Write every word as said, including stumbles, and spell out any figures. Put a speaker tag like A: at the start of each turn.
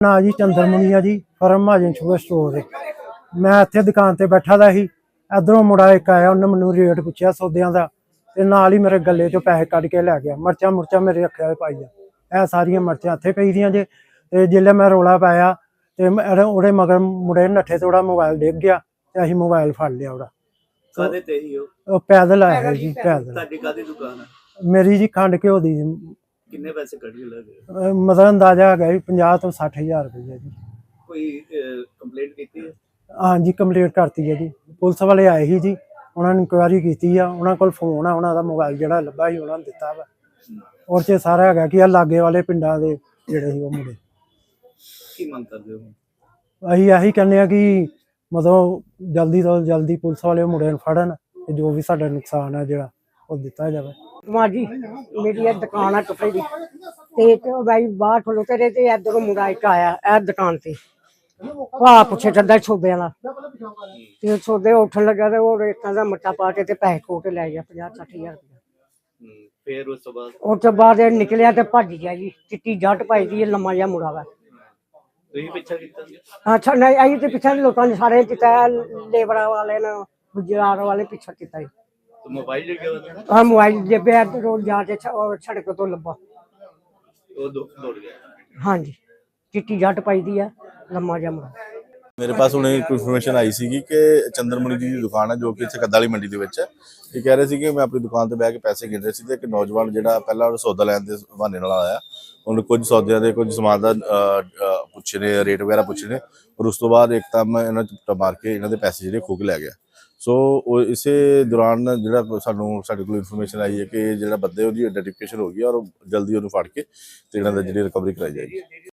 A: ना जी चंद्रमुनी है जी फर्म महाजन शुगर स्टोर है। मैं इत्थे दुकान ते बैठा दा ही, इधरों मुंडा एक आया, उन्हें मैनू रेट पुछया सौदियां दा ते नाल ही मेरे गले चों पैसे कढ के लै गया। मर्चां मुर्चां मेरे अक्खियां पाई आ, सारियां मर्चां इत्थे पई दियां जे। ते जिसलै मैं रौला पाया ते ओहदे मगर मुंडे नट्ठे ते ओहदा मोबाइल डिग गया ते असीं मोबाइल फड़ लिया ओहदा।
B: काहदे ते ही ओ?
A: ओह पैदल आया जी, पैदल।
B: ਤੁਹਾਡੀ ਕਾਹਦੀ ਦੁਕਾਨ ਹੈ?
A: मेरी जी खंड घ्यो दी।
B: ਕਿੰਨੇ ਪੈਸੇ ਕੱਢ ਕੇ ਲੈ ਗਏ?
A: मतलब अंदाजा है पचास तो सठ हज़ार रुपया जी।
B: ਕੋਈ ਕੰਪਲੇਂਟ ਕੀਤੀ ਹੈ?
A: हाँ जी कंप्लेंट करती है जी। पुलिस वाले आए ही जी, उन्होंने इंक्वायरी की, उन्होंने को फोन है, उन्होंने मोबाइल जो लभा ही उन्होंने दिता वा। और च सारा है कि लागे वाले पिंडा के जोड़े ही मुंडे।
B: की मंग करदे हो?
A: असीं यही कहने कि मतलब जल्दी तो जल्दी पुलिस वाले मुंडे फड़न, जो भी साडा नुकसान है जो वो दिता जाए।
C: मां जी मेरी ये दुकान है कपड़े की, ते तो भाई बाहर खलोते रहे ते इधरों मुंडा एक आया ए दुकान से भाव पुछे चलदा छोबे वाला ते छोबे उठन लगा ते वो रेतां दा मट्टा पा के ते पैसे खो के लै गया पचास सठ हजार रुपया।
B: फिर उस तो बाद
C: उस तो बाद निकलिया ते भज गया जी। चिट्टी जट पाई दी लम्मा जिहा मुंडा वा।
B: ਤੁਸੀਂ ਪਿੱਛਾ ਕੀਤਾ?
C: अच्छा नहीं आई ते पिछा लोगों ने सारे किता, लेबर वाले ने गुजरात वाले पिछा किता।
B: तो मोबाइल ले गया?
C: हाँ मोबाइल जेबे रोड जाके सड़क तो लब्भा
B: वो दौड़ गया।
C: हाँ जी चिट्टी जट पाई दी है लम्मा जिहा मुंडा।
D: मेरे पास उन्हें एक इन्फॉर्मेशन आई सी कि चंद्रमुनी जी की दुकान है जो कि इत्थे कद्दाली मंडी ਦੇ ਵਿੱਚ ਹੈ। ਇਹ ਕਹਿ ਰਹੇ ਸੀ ਕਿ ਮੈਂ ਆਪਣੀ ਦੁਕਾਨ ਤੇ ਬਹਿ ਕੇ ਪੈਸੇ ਗਿਣ ਰਿਹਾ ਸੀ ਤੇ ਇੱਕ ਨੌਜਵਾਨ ਜਿਹੜਾ ਪਹਿਲਾਂ ਸੌਦਾ ਲੈਣ ਦੇ ਬਹਾਨੇ ਨਾਲ ਆਇਆ, ਉਹਨੇ ਕੁਝ ਸੌਦਿਆਂ ਦੇ ਕੁਝ ਸਮਾਨ ਦਾ ਪੁੱਛੇ ਨੇ, ਰੇਟ ਵਗੈਰਾ ਪੁੱਛੇ ਨੇ, ਔਰ ਉਸ ਤੋਂ ਬਾਅਦ ਇੱਕਦਮ ਇਹਨਾਂ ਚ ਮਾਰ ਕੇ ਇਹਨਾਂ ਦੇ ਪੈਸੇ ਜਿਹੜੇ ਖੋਹ ਕੇ ਲੈ ਗਿਆ। ਸੋ ਉਹ ਇਸੇ ਦੌਰਾਨ ਜਿਹੜਾ ਸਾਨੂੰ ਸਾਡੇ ਕੋਲ ਇਨਫੋਰਮੇਸ਼ਨ ਆਈ ਹੈ ਕਿ ਜਿਹੜਾ ਬੰਦੇ ਉਹਦੀ ਆਈਡੈਂਟੀਫਿਕੇਸ਼ਨ ਹੋ ਗਈ ਔਰ ਜਲਦੀ ਉਹਨੂੰ ਫੜ ਕੇ ਤੇ ਇਹਨਾਂ ਦਾ ਜਿਹੜੀ ਰਿਕਵਰੀ ਕਰਾਈ ਜਾਏਗੀ।